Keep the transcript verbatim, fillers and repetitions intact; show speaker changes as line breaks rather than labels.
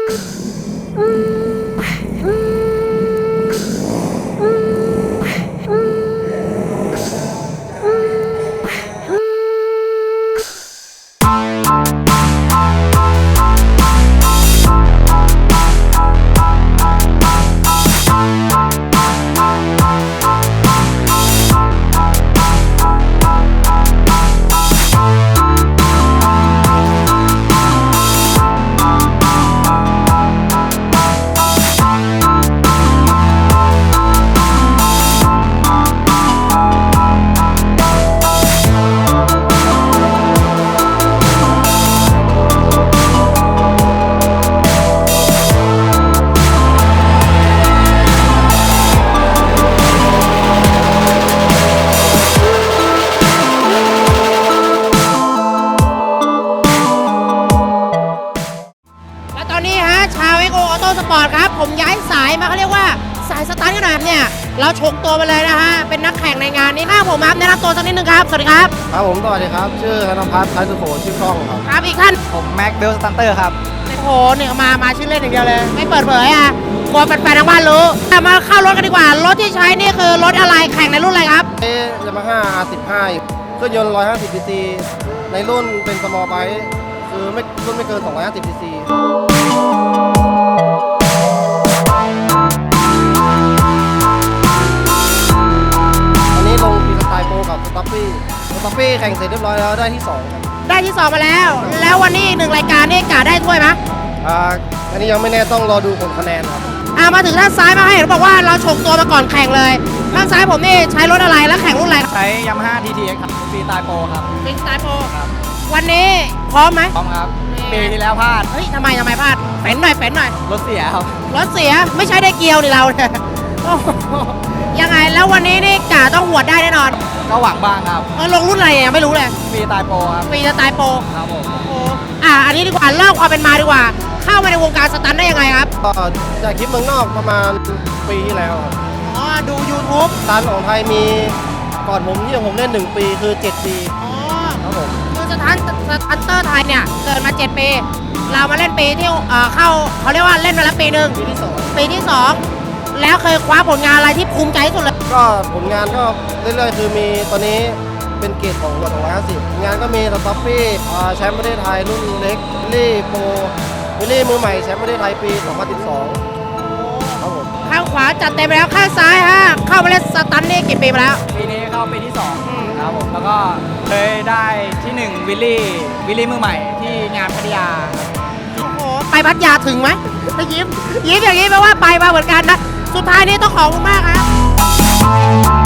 สปอร์ตครับผมย้ายสายมาเขาเรียกว่าสายสตาร์ทขนาดเนี่ยเราชงตัวไปเลยนะฮะเป็นนักแข่งในงานนี้ข้าผมครับแนะนำตัวสักนิดนึงครับสวัสดีครับ
ครับผมสวัสดีครับชื่อธนภัทรไทยสุโขชื่อกล้องครับ
ครับอีกท่าน
ผมแม็กเบลสตันเตอร์ครับ
โอ้โหเนี่ยมามาชื่อเล่นอย่างเดียวเลยไม่เปิดเผยอ่ะกลัวแฟนๆทางบ้านรู้มาเข้ารถกันดีกว่ารถที่ใช้นี่คือรถอะไรแข่งในรุ่นอะไรครับ
เอ๊ยยามาฮ่า อาร์ สิบห้า เครื่องยนต์หนึ่งร้อยห้าสิบซีซีในรุ่นเป็นสมอลไบค์คือไม่รุ่นไม่เกินสองร้อยห้าสิบซีซีลงปีสไตล์โปรกับสต็อปปี้สต็อปปี้แข่งเสร็จเรียบร้อยแล้วได้ที่สองครับ
ได้ที่สองมาแล้วแล้ววันนี้อีกหนึ่งรายการนี่กะได้ถ้วยไหม
อ่าอันนี้ยังไม่แน่ต้องรอดูผลคะแนนครับ
อ่ามาถึงด้านซ้ายมาให้เห็นบอกว่าเราชงตัวมาก่อนแข่งเลยด้านซ้ายผมนี่ใช้รถอะไรแล้วแข่งรุ่นอะไร
ใช้ยามาฮ่า ที ที เอ็กซ์ ครับปีสไตล์โปรครับ
ปีสไตล์โปรครับวันนี้พร้อมไหม
พร้อมครับปีที่แล้วพลาด
เฮ้ยทำไมทำไมพลาดเฟ้นหน่อยเฟ้นหน่อย
รถเสียครับ
รถเสียไม่ใช่ได้เกียวนี่เราเนี่ยยังไงแล้ววันนี้นี่กะต้องหวดได้แน่นอน
ก็หวังบ้างครับ
เออลงรุ่นอะไรยังไม่รู้เลย
ปีสไตล์โปรครับ
ปีสไตล์โปร
ครับผม
โอ้อ่ะอันนี้ดีกว่าเล่าความเป็นมาดีกว่าเข้ามาในวงการสตันได้ยังไงครับ
ก็จากคลิปเมืองนอกประมาณปีที่แล้วครับ
อ๋อดู YouTube
สตันของไทยมีก่อนผมที่ผมเล่นหนึ่งปีคือเจ็ดปี
อ๋อ
ครับผม
คือสตันสตันเตอร์ไทยเนี่ยเกิดมาเจ็ดปีเรามาเล่นปีที่เอ่อเข้าเขาเรียกว่าเล่นมาแล้วปีหนึ่ง
ปีที่สอง
ปีที่สองแล้วเคยคว้าผลงานอะไรที่ภูมิใจที่สุดเลย
ก็ผลงานก็เรื่อยๆคือมีตอนนี้เป็นเกรดของหัวสองร้อยห้าสิบงานก็มีสต็อปปี้แชมป์ประเทศไทยรุ่นเล็กวิลลี่โปรวิลลี่มือใหม่แชมป์ประเทศไทยปีสองพันสิบสองครับผม
ข้างขวาจัดเต็มไปแล้วข้างซ้ายฮะเข้ามาเล่นสตันนี่กี่ปีมาแล้ว
ปีนี้เข้าปีที่สองครับผมแล้วก็เคยได้ที่หนึ่งวิลลี่วิลลี่มือใหม่ที่งานพัทยา
โอ้โหไปพัทยาถึงไหมไปยิ้มยิ้มอย่างนี้แปลว่าไปมาเหมือนกันนะสุดท้ายนี้ต้องขอบคุณมากครับ